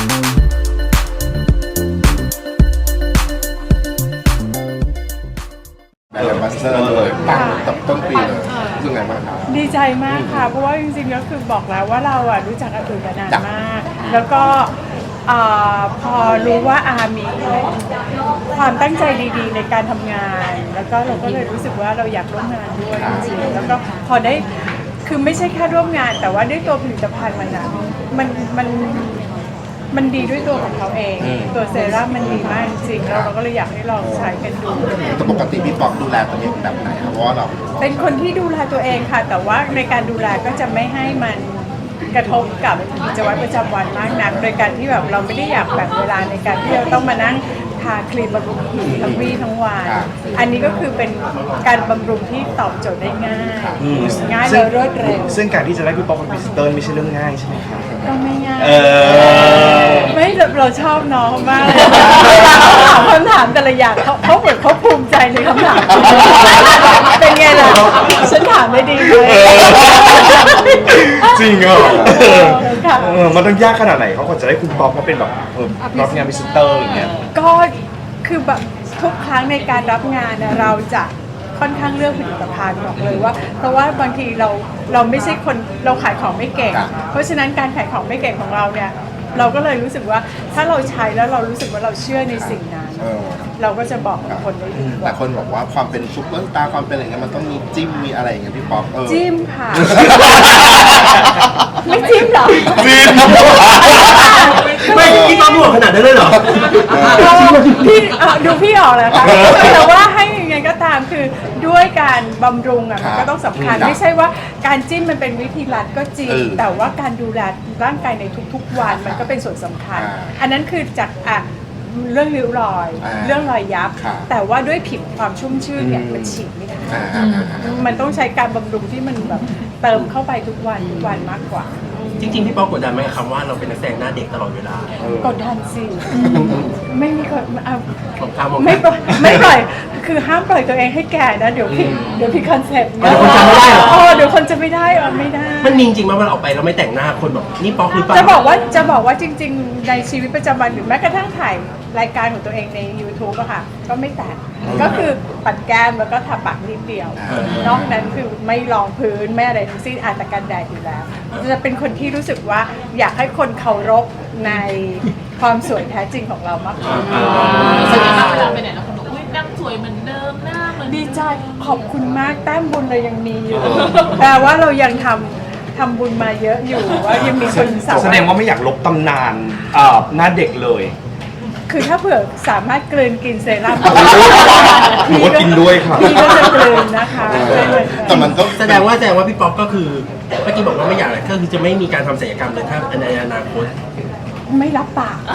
แบบมาสเตอร์เลยปังต้นปีเลยรู้สึกไงบ้างครับดีใจมากค่ะเพราะว่าจริงๆก็คือบอกแล้วว่าเราอ่ะรู้จักอาตุ๋ยมานานมากแล้วก็พอรู้ว่าอามีความตั้งใจดีๆในการทำงานแล้วก็เราก็เลยรู้สึกว่าเราอยากร่วมงานด้วยจริงๆแล้วก็พอได้คือไม่ใช่แค่ร่วมงานแต่ว่าด้วยตัวผลิตภัณฑ์มันนะมันดีด้วยตัวของเขาเองตัวเซรั่มมันดีมากจริงๆแล้วเราก็เลยอยากให้ลองใช้กันดูแต่ปกติพี่ป๊อกดูแลตัวเองแบบไหนครับเพราะว่าเราเป็นคนที่ดูแลตัวเองค่ะแต่ว่าในการดูแลก็จะไม่ให้มันกระทบกับกิจวัตรประจำวันมากนักโดยการที่แบบเราไม่ได้อยากแบ่งเวลาในการที่เราต้องมานั่งทาครีมบำรุงผิวทั้งวี่ทั้งวันอันนี้ก็คือเป็นการบำรุงที่ตอบโจทย์ได้ง่ายและรวดเร็วซึ่งการที่จะได้พี่ป๊อกเป็นพรีเซนเตอร์ไม่ใช่เรื่องง่ายใช่ไหมครับก็ไม่ง่ายไม่เราชอบน้องมากเลยถามคำถามแต่ละอย่างเขาเหมือนเขาภูมิใจในคำถามเป็นไงล่ะฉันถามได้ดีไหมจริงเหรอมันต้องยากขนาดไหนเขาควรจะได้คุณป๊อกมาเป็นแบบรับงานพรีเซนเตอร์อย่างเงี้ยก็คือแบบทุกครั้งในการรับงานเราจะค่อนข้างเลือกผลิตภัณฑ์บอกเลยว่าเพราะว่าบางทีเราไม่ใช่คนเราขายของไม่เก่งเพราะฉะนั้นการขายของไม่เก่งของเราเนี่ยเราก็เลยรู้สึกว่าถ้าเราใช้แล้วเรารู้สึกว่าเราเชื่อในสิ่งนั้นเราก็จะบอกกับคนได้ดีแต่คนบอกว่าความเป็นซุปเปอร์สตาร์ความเป็นอะไรเงี้ยมันต้องมีจิ้มมีอะไรอย่างเงี้ยพี่ป๊อกจิ้มค่ะไม่จิ้มหรอจิ้มไม่พี่ป๊อกบอกขนาดนั้นเลยเหรอพี่ดูพี่ออกแล้วค่ะแต่ว่าให้ยังไงก็ตามคือด้วยการบำรุงมันก็ต้องสำคัญไม่ใช่ว่าการจิ้มมันเป็นวิธีลัดก็จริงแต่ว่าการดูแลร่างกายในทุกๆวันมันก็เป็นส่วนสำคัญอันนั้นคือจากเรื่องริ้วรอยเรื่องรอยยับแต่ว่าด้วยผิวความชุ่มชื่นเนี่ยมันฉีดไม่ได้มันต้องใช้การบำรุงที่มันแบบเติมเข้าไปทุกวันมากกว่าจริงๆพี่ป๊อกกดดันไหมคำว่าเราเป็นนักแสดงหน้าเด็กตลอดเวลากดดันสิไม่มีคนไม่ปล่อยคือห้ามปล่อยตัวเองให้แก่นะเดี๋ยวพี่คอนเซ็ปต์เดี๋ยวคนจะไม่ได้ไม่ได้มันจริงๆว่าเราออกไปเราไม่แต่งหน้าคนบอกนี่ป๊อกหรือเปล่าจะบอกว่าจริงๆในชีวิตประจำวันหรือแม้กระทั่งถ่ายรายการของตัวเองใน YouTube อะค่ะก็ไม่แต่งก็คือปัดแก้มแล้วก็ทาปากนิดเดียวนอกนั้นคือไม่รองพื้นไม่อะไรทั้งสิ้นอาจจะกันแดดอยู่แล้วจะเป็นคนที่รู้สึกว่าอยากให้คนเคารพในความสวยแท้จริงของเรามากกว่าแสดงว่าเวลาไปไหนแล้วคนบอกอุ้ยนั่งสวยเหมือนเดิมหน้าเหมือนดีใจขอบคุณมากแต้มบุญเรายังมีอยู่แต่ว่าเรายังทำบุญมาเยอะอยู่ว่ายังมีคนแสดงว่าไม่อยากลบตำนานหน้าเด็กเลยคือถ้าเผื่อสามารถกลืนกินเซรั่มหนูก็กินด้วยค่ะพี่ก็จะกลืนนะคะแต่มันต้องแสดงว่าพี่ป๊อกก็คือเมื่อกี้บอกว่าไม่อยากก็คือจะไม่มีการทำศัลยกรรมเลยถ้าในอนาคตไม่รับปาก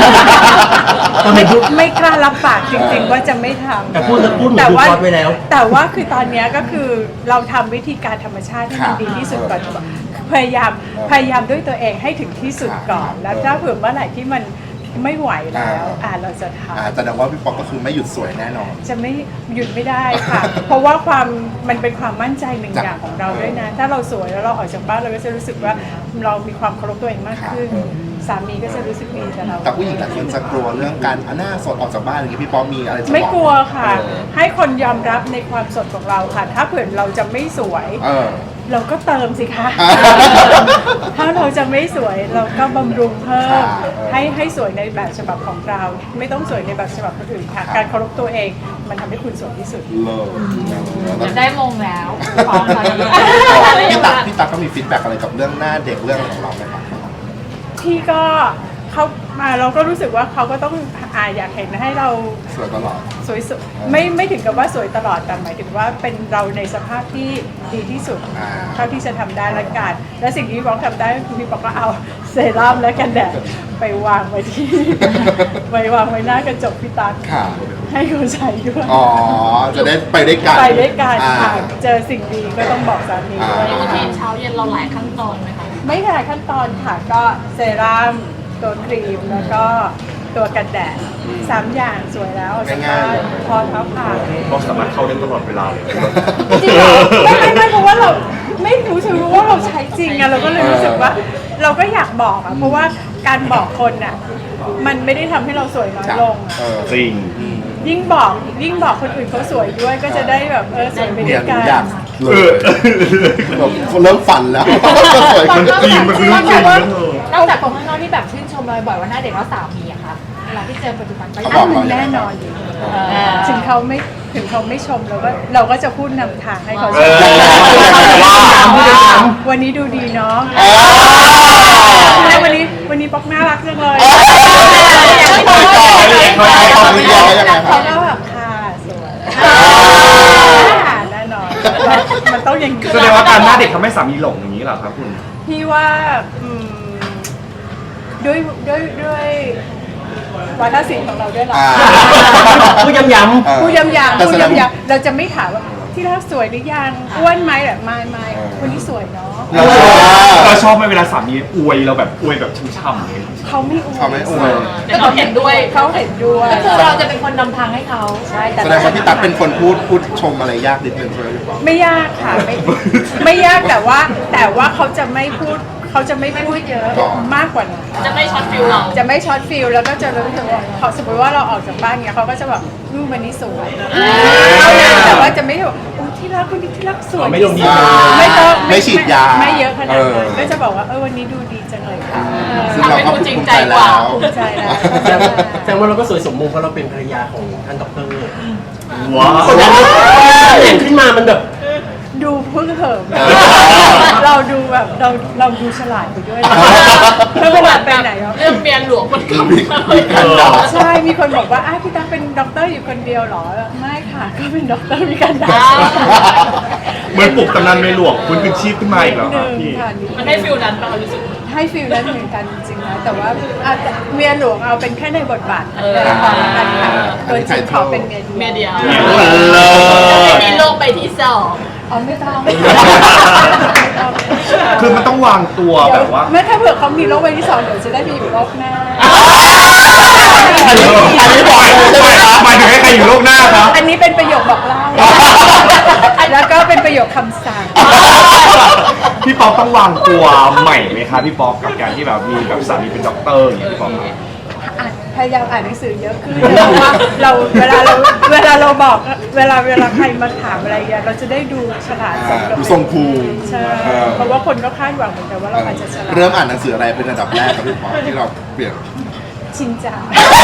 ไม่กล้ารับปากจริงๆว่าจะไม่ทำแต่พูดแต่ว่าคือตอนนี้ก็คือเราทำวิธีการธรรมชาติให้มันดีที่สุดก่อนพยายามด้วยตัวเองให้ถึงที่สุดก่อนแล้วถ้าเผื่อเมื่อไหร่ที่มันไม่ไหวแล้วเราจะทำแต่ว่าพี่ป๊อกก็คือไม่หยุดสวยแน่นอนจะไม่หยุดไม่ได้ค่ะ เพราะว่ามันเป็นความมั่นใจหนึ่งอย่างของเราด้วยนะถ้าเราสวยแล้วเราออกจากบ้านเราก็จะรู้สึกว่าเรามีความเคารพตัวเองมากขึ้นสามีก็จะรู้สึกดีกับเราแต่ผู้หญิงหลายคนจะกลัวเรื่องการหน้าสดออกจากบ้านอย่างนี้พี่ป๊อกมีอะไรจะบอกไม่กลัวค่ะให้คนยอมรับในความสดของเราค่ะถ้าเผื่อเราจะไม่สวยเราก็เติมสิคะถ้าเราจะไม่สวยเราก็บำรุงเพิ่มให้สวยในแบบฉบับของเราไม่ต้องสวยในแบบฉบับคนอื่นค่ะการเคารพตัวเองมันทำให้คุณสวยที่สุดจะได้มงแล้วพี่ตั๊กก็มีฟีดแบ็กอะไรกับเรื่องหน้าเด็กเรื่องของเราไหมครับพี่ก็เขามาเราก็รู้สึกว่าเขาก็ต้องอยากเห็นให้เราสวยตลอดสวยไม่ถึงกับว่าสวยตลอดแต่หมายถึงว่าเป็นเราในสภาพที่ดีที่สุดเท่าที่จะทำได้ละกันและสิ่งที่พี่บอกทำได้คือพี่บอกก็เอาเซรั่มและกันแดดไปวางไว้ที่วางไว้หน้ากระจกพี่ตั๊กให้เขาใช้ด้วยจะได้ไปด้วยกันค่ะเจอสิ่งดีก็ต้องบอกสามีด้วยรูทีนเช้าเย็นเราหลายขั้นตอนไหมคะไม่หลายขั้นตอนค่ะก็เซรั่มตัวครีมแล้วก็ตัวกันแดด3 อย่างสวยแล้วจะพอเท้าผ่าเราสามารถเข้าได้ตลอดเวลาเลยจริงเหรอไม่เพราะว่าเราไม่รู้สึกว่าเราใช้จริงอะเราก็เลยรู้สึกว่าเราก็อยากบอกอะเพราะว่าการบอกคนอ่ะมันไม่ได้ทำให้เราสวยน้อยลงอะจริงยิ่งบอกคนอื่นเขาสวยด้วยก็จะได้แบบสวยไปด้เนี่วย ยหนูกันอยากเลยแบบเริ่มฝันแล้วก็สวยขึ้นจริงมันคือเรื่องจริงนะนอกจากคนข้างนอกที่แบบชื่นชมเราบ่อยว่าหน้าเด็กแล้วสามีอะคะเวลาที่เจอปัจจุบันก็เขายับอกงเราแน่นอนอยู่ถึงเขาไม่ชมเราก็จะพูดนำทางให้เขาชมวันนี้ดูดีเนาะวันนี้ป๊อกน่ารักจังเลยเขาก็แบบค่ะสวยแน่นอนมันต้องอย่างนี้แสดงว่าการหน้าเด็กทำให้สามีหลงอย่างนี้เหรอครับคุณพี่ว่าด้วยวาทศิลป์ของเราด้วยหรอพูดย้ำพูดย้ำๆเราจะไม่ถามว่าที่รักสวยหรือยังอ้วนไหมแบบไม่วันนี้สวยเนาะเราชอบไหมเวลาสามีอวยเราแบบอวยแบบช่ำๆเลยเขาไม่อวยเขาไม่อวยแต่เขาเห็นด้วยเขาเห็นด้วยก็คือเราจะเป็นคนนำทางให้เขาใช่แสดงว่าพี่ตั๊กเป็นคนพูดชมอะไรยากนิดนึงใช่ไหมพี่ปอไม่ยากค่ะไม่ยากแต่ว่าเขาจะไม่พูดเยอะมากกว่านั้นจะไม่ช็อตฟิลเราจะไม่ช็อตฟิลแล้วก็จะรู้สึกว่าเขาสมมติว่าเราออกจากบ้านเงี้ยเขาก็จะแบบวันนี้สวยแต่ว่าจะไม่แบบโอ้ที่รักวันนี้ที่รักสวยไม่ลงดีไม่ต้องไม่ฉีดยาไม่เยอะขนาดนั้นก็จะบอกว่าวันนี้ดูดีจังเลยค่ะซึ่งเราก็ภูมิใจแล้วภูมิใจแล้วแสดงว่าเราก็สวยสมมุติเพราะเราเป็นภรรยาของท่านด็อกเตอร์ว้าวเห็นขึ้นมามันแบบดูพึ่งเหิมเราดูแบบเราดูฉลาดไปด้วยแล้วเวลาไปไหนเรื่องเมียหลวงมันก็ใช่มีคนบอกว่าพี่ตั๊กเป็นด็อกเตอร์อยู่คนเดียวเหรอไม่ค่ะก็เป็นด็อกเตอร์มีกันดาเหมือนปลุกตำนานในหลวงคุณคืนชีพขึ้นมาอีกแล้วครับพี่มันให้ฟิลนั้นป่ะรู้สึกให้ฟิลนั้นเหมือนกันจริงๆนะแต่ว่าเมียหลวงเอาเป็นแค่ในบทบาทตัวจริงเขาเป็นเมียเมียเดียวเลยไม่มีโลกใบที่สองอ๋อไม่ต้องคือมันต้องวางตัวแบบว่าไม่ถ้าเผื่อเขามีโรคใบที่สองเดี๋ยวจะได้ไปอยู่โลกหน้าอันนี้บอกหมายถึงให้ใครอยู่โลกหน้าครับอันนี้เป็นประโยคบอกเล่าแล้วก็เป็นประโยคคำสั่งพี่ป๊อกต้องวางตัวใหม่ไหมคะพี่ป๊อกกับการที่แบบมีแบบสามีเป็นด็อกเตอร์อย่างเงี้ยพี่ป๊อกครับพยายามอ่านหนังสือเยอะขึ้นเพราะว่าเวลาเราบอกเวลาใครมาถามอะไรเงี้ยเราจะได้ดูฉลาดสมกับดูทรงภูมิใช่เพราะว่าคนก็คาดหวังเหมือนกันว่าเราอาจจะฉลาดเริ่มอ่านหนังสืออะไรเป็นอันดับแรกครับพี่ปอที่เราเปลี่ยนชินจัง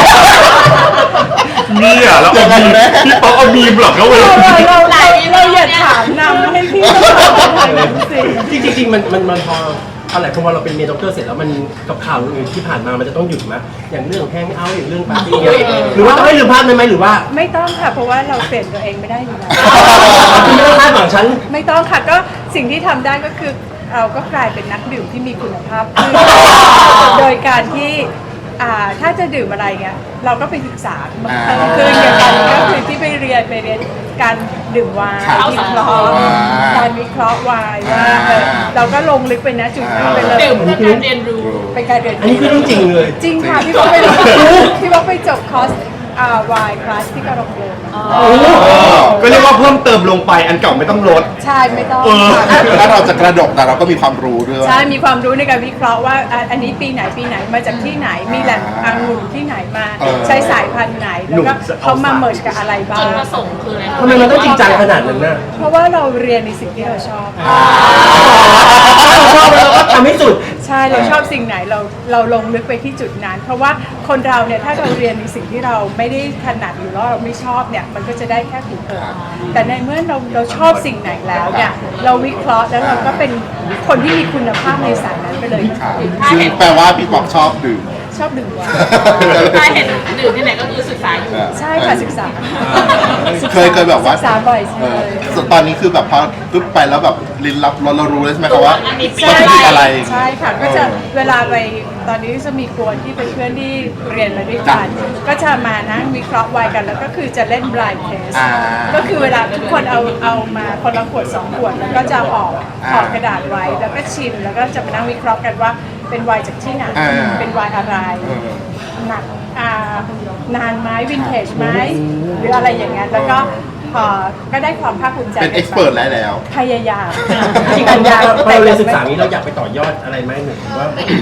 เนี่ยแล้วเอามีมพี่ป๊อกเอามีมเหรอเขาเลยเราอย่าถามนำให้พี่ต้องถามทางนั้นสิจริงมันพออะไรเพราะว่าเราเป็นเมียด็อกเตอร์เสร็จแล้วมันกับข่าวอื่นที่ผ่านมามันจะต้องหยุดไหมอย่างเรื่องแฮงเอาท์อย่างเรื่องปาร์ตี้หรือว่าต้องให้ลืมภาพได้ไหมหรือว่าไม่ต้องค่ะเพราะว่าเราเปลี่ยนตัวเองไม่ได้อยู่แล้วคุณไม่ต้องคาดหวังฉันไม่ต้องค่ะก็สิ่งที่ทำได้ก็คือเราก็กลายเป็นนักดื่มที่มีคุณภาพขึ้นโดยการที่ถ้าจะดื่มอะไรเงี้ยเราก็ไปศึกษาคืออย่างตอนนี้ก็คือที่ไปเรียนการดื่มไวน์วิเคราะห์การวิเคราะห์ไวน์ว่าเราก็ลงลึกไปนะจุดนั้นไปเลยดื่มเพื่อการเรียนรู้เป็นการเรียนอันนี้คือเรื่องจริงเลยจริงค่ะพี่บอกไปจบคอร์สวายคลาสที่กระโดดก็เรียกว่าเพิ่มเติมลงไปอันเก่าไม่ต้องลดใช่ไม่ต้องถ้าเราจะกระดกแต่เราก็มีความรู้ด้วยใช่มีความรู้ในการวิเคราะห์ว่าอันนี้ปีไหนมาจากที่ไหนมีแหล่งองุ่นที่ไหนมาใช้สายพันธุ์ไหนแล้วก็เขามาเมิร์จกับอะไรบ้าจุงดประสงค์คืออะไรทำไมมันต้องจริงจังขนาดนั้นน่ะเพราะว่าเราเรียนในสิ่งที่เราชอบเราชอบแล้วเราก็ทำให้สุดใช่เราชอบสิ่งไหนเราลงลึกไปที่จุดนั้น เพราะว่าคนเราเนี่ยถ้าเราเรียนในสิ่งที่เราไม่ได้ถนัดหรือว่าเราไม่ชอบเนี่ยมันก็จะได้แค่ผิวเผินแต่ในเมื่อเราชอบสิ่งไหนแล้วเนี่ยเราวิเคราะห์แล้วเราก็เป็นคนที่มีคุณภาพในสายนั้นไปเลยค่ะซึ่งแปลว่าพี่ปอกชอบดื่มชอบดื่มไวน์ถ้าเห็นดื่มที่ไหนก็คือศึกษาอยู่ใช่ค่ะศึกษาเคยแบบว่าศึกษาบ่อยใช่ตอนนี้คือแบบพอปึ๊บไปแล้วแบบลิ้นรับรสเรารู้เลยใช่ไหมครับว่าอันนี้วัตถุดิบอะไรใช่ค่ะก็จะเวลาไปตอนนี้จะมีกวนที่เป็นเพื่อนที่เรียนมาด้วยกันก็จะมานั่งวิเคราะห์ไวน์กันแล้วก็คือจะเล่น blind test ก็คือเวลาทุกคนเอามาคนละขวด2ขวดแล้วก็จะห่อกระดาษไว้แล้วก็ชิมแล้วก็จะมานั่งวิเคราะห์กันว่าเป็นไวน์จากที่ไหนเป็นไวน์อะไรหนักนานไหมวินเทจไหมหรืออะไรอย่างเงี้ยแล้วก็ก็ได้ความภาคภูมิใจเป็นเอ็กซ์เพรสแล้วพยายามจริงๆเราเรียนศึกษานี้เราอยากไปต่อยอดอะไรไหมหรือว่า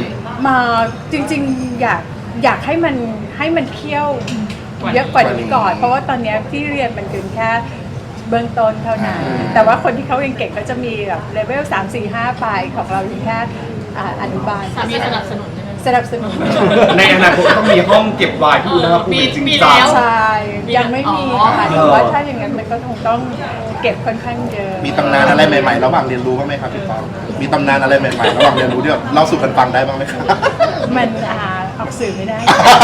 มาจริงๆอยากให้มันเคี่ยวเยอะกว่านี้ก่อน เพราะว่าตอนเนี้ยที่เรียนมันเป็นแค่เบื้องต้นเท่านั้น แต่ว่าคนที่เขาเก่งๆเขาจะมีแบบเลเวล3 4 5ไปของเราอยู่แค่อนุบาลสามีสนับสนุนใช่ไหมสนับสนุนในอนาคตต้องมีห้องเก็บไวน์ที่อุณหภูมิจริงมีจังแล้วใช่ยังไม่มีค่ะแต่ว่าถ้าอย่างนั้นมันก็คงต้องเก็บค่อนข้างเยอะมีตำนานอะไรใหม่ๆระหว่างเรียนรู้บ้างไหมครับพี่ป๊อปมีตำนานอะไรใหม่ๆระหว่างเรียนรู้ที่แบบเล่าสู่กันฟังได้บ้างไหมครับมันออกสื่อไม่ได้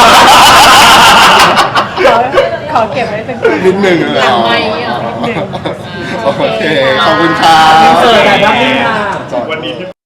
ขอเก็บไว้เป็นความนิดหนึ่งหลังไมค์เหรอนิดหนึ่งโอเค ขอบคุณครับเจอกันครับนี่ค่ะวันนี้